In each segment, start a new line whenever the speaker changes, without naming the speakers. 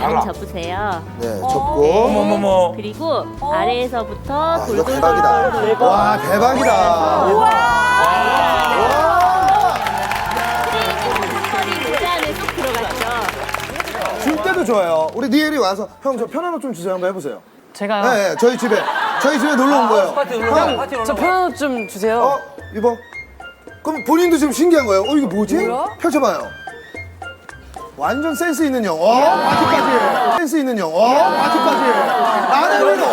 반 접으세요.
네, 접고.
어머머머.
그리고 아래에서부터
이거
돌돌돌
대박이다. 와, 대박이다.
털이 모자 안에 쏙 들어갔죠.
줄 때도 좋아요. 우리 니엘이 와서 형 저 편한 옷 좀 주세요. 한번 해보세요.
제가요?
네, 네, 저희 집에 놀러 온 거예요. 형,
저 편한 옷 좀 주세요.
입어. 그럼 본인도 지금 신기한 거예요. 이게 뭐지? 펼쳐봐요. 완전 센스 있는 형. 바지까지. 센스 있는 형. 바지까지. 나는 왜도.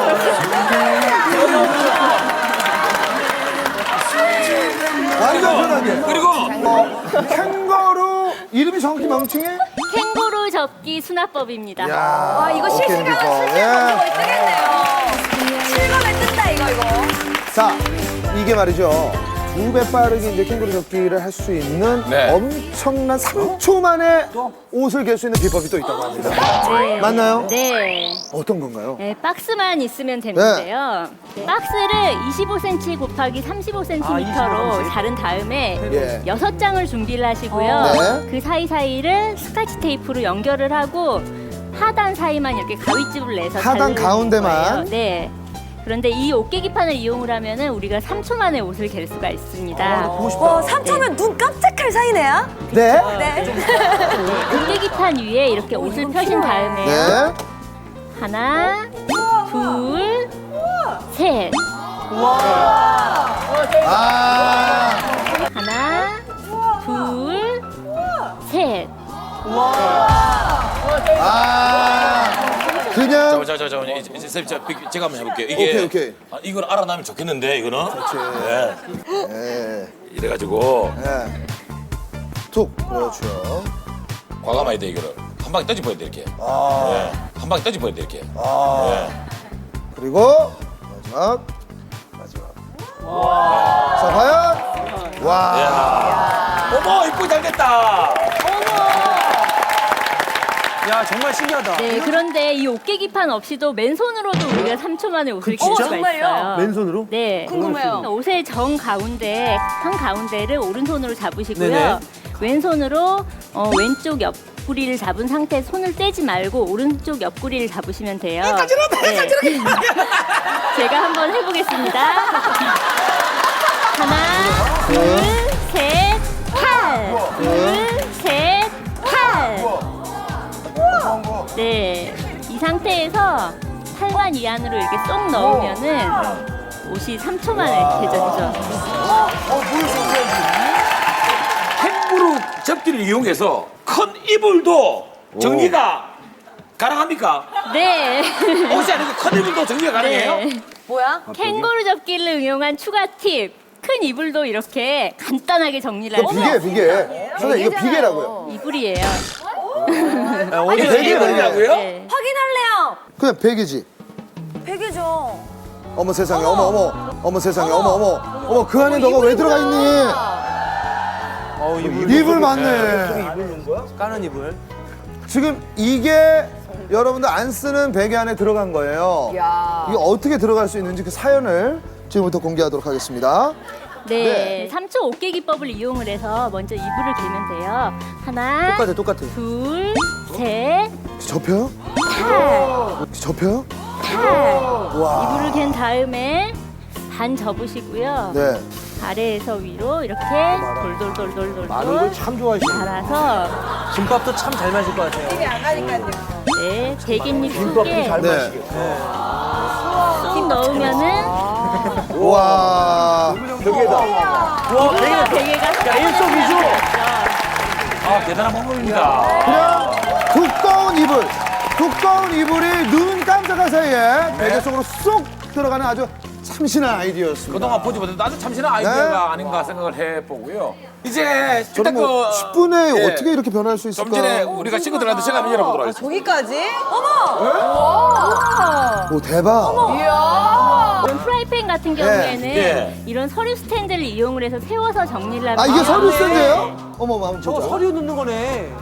완전 편하게.
그리고
캥거루 이름이 정확히 멍충이?
캥거루 접기 수납법입니다.
와,
이거 실시간으로
예.
뜨겠네요. 실감에 뜬다 이거.
자, 이게 말이죠. 2배 빠르게 이제 캥거루 접기를 할 수 있는
네.
엄청난 3초 만에 옷을 갤 수 있는 비법이 또 있다고 합니다.
네.
맞나요?
네.
어떤 건가요?
네, 박스만 있으면 되는데요. 박스를 25cm 곱하기 35cm로 자른 다음에
예.
6장을 준비를 하시고요.
네.
그 사이사이를 스카치 테이프로 연결을 하고 하단 사이만 이렇게 가위집을 내서
하단
자르는
가운데만?
거예요. 네. 그런데 이 옷깨기판을 이용을 하면은 우리가 3초 만에 옷을 갤 수가 있습니다.
보고 싶다.
와, 3초면 눈 깜짝할 사이네요.
네.
네.
옷깨기판 위에 이렇게 옷을 펴신 다음에요.
네.
하나, 둘, 셋.
아.
하나, 둘, 셋.
그냥.
자, 이제 쌤, 제가 한번 해볼게요. 이게
오케이.
이걸 알아나면 좋겠는데 이거는.
그렇지.
네.
네.
이래가지고
네. 툭. 그렇죠.
과감해야 돼 이거를. 한 방에 떠집어야 돼 이렇게. 네. 한 방에 떠집어야 돼 이렇게. 네.
그리고 마지막. 자, 과연? 와.
어머 이쁘게 잘 됐다.
야, 정말 신기하다.
네, 그런데 이 옷깨기판 없이도 맨손으로도 우리가 3초 만에 옷을 갤 수가
정말요?
있어요.
맨손으로?
네.
궁금해요.
옷의 정 가운데 한 가운데를 오른손으로 잡으시고요.
네네.
왼손으로 왼쪽 옆구리를 잡은 상태에서 손을 떼지 말고 오른쪽 옆구리를 잡으시면 돼요. 네. 제가 한번 해보겠습니다. 하나, 둘, 셋, 팔. 둘, 셋, 팔. 네, 이 상태에서 팔관 이 안으로 이렇게 쏙 넣으면은 옷이 3초 만에 개져지죠.
캥거루 접기를 이용해서 큰 이불도 정리가 가능합니까?
네.
옷이 아니고 큰 이불도 정리가 가능해요?
네.
뭐야?
캥거루 접기를 응용한 추가 팁. 큰 이불도 이렇게 간단하게 정리를
이거
하죠.
비계. 선생님, 이거 비계라고요.
이불이에요.
이게
되게
이불이라고요?
네.
확인할래요.
그냥 베개지.
베개죠.
어머 세상에, 어머 세상에, 어머, 그 안에 너가 왜 들어가 있니? 이불 맞네.
까는 이불.
지금 이게 여러분들 안 쓰는 베개 안에 들어간 거예요.
야.
이게 어떻게 들어갈 수 있는지 그 사연을 지금부터 공개하도록 하겠습니다.
네. 3초 옷깨 기법을 이용을 해서 먼저 이불을 개면 돼요. 하나,
똑같아.
둘, 셋,
접혀요?
팔.
접혀요?
팔. 이불을 갠 다음에 반 접으시고요.
네.
아래에서 위로 이렇게 돌돌돌돌돌
참 좋아하시네.
달아서
김밥도 참 잘 마실 것 같아요.
네, 대깃잎 속에
네.
쏙 넣으면은
와.
이불과 베개가
일석이조.
아 대단한 방법입니다.
그냥 두꺼운 이불이 눈 깜짝할 사이에 베개 속으로 쏙 들어가는 아주 참신한 아이디어였습니다.
그동안 보지 못해도 아주 참신한 아이디어가 아닌가 생각을 해보고요. 이제 일단
저는 뭐 10분에
예.
어떻게 이렇게 변할 수 있을까?
좀 전에 우리가 친구들한테 제가 한번 열어보도록 하겠습니다.
저기까지? 어머!
오, 대박.
이야!
이런 프라이팬 같은 경우에는
예.
이런 서류 스탠드를 이용을 해서 세워서 정리를 하면
아, 이게 서류
네.
스탠드예요? 어머, 한번
저거
보자.
서류 넣는 거네.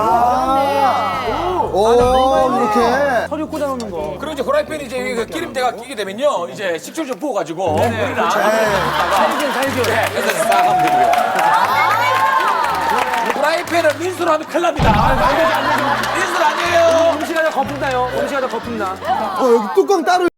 오, 이렇게.
서류 꽂아놓는 거.
그리고 이제 후라이팬이 이제 그 기름때가 끼게 되면요, 이제 식초를 좀 부어가지고 물이나
살균.
네, 그래서 싹 하면 되고요. 후라이팬을 민수로 하면 큰일 납니다. 민수로 아니에요.
음식 안에 거품 나요. 음식하다 거품 나.
여기 뚜껑 따로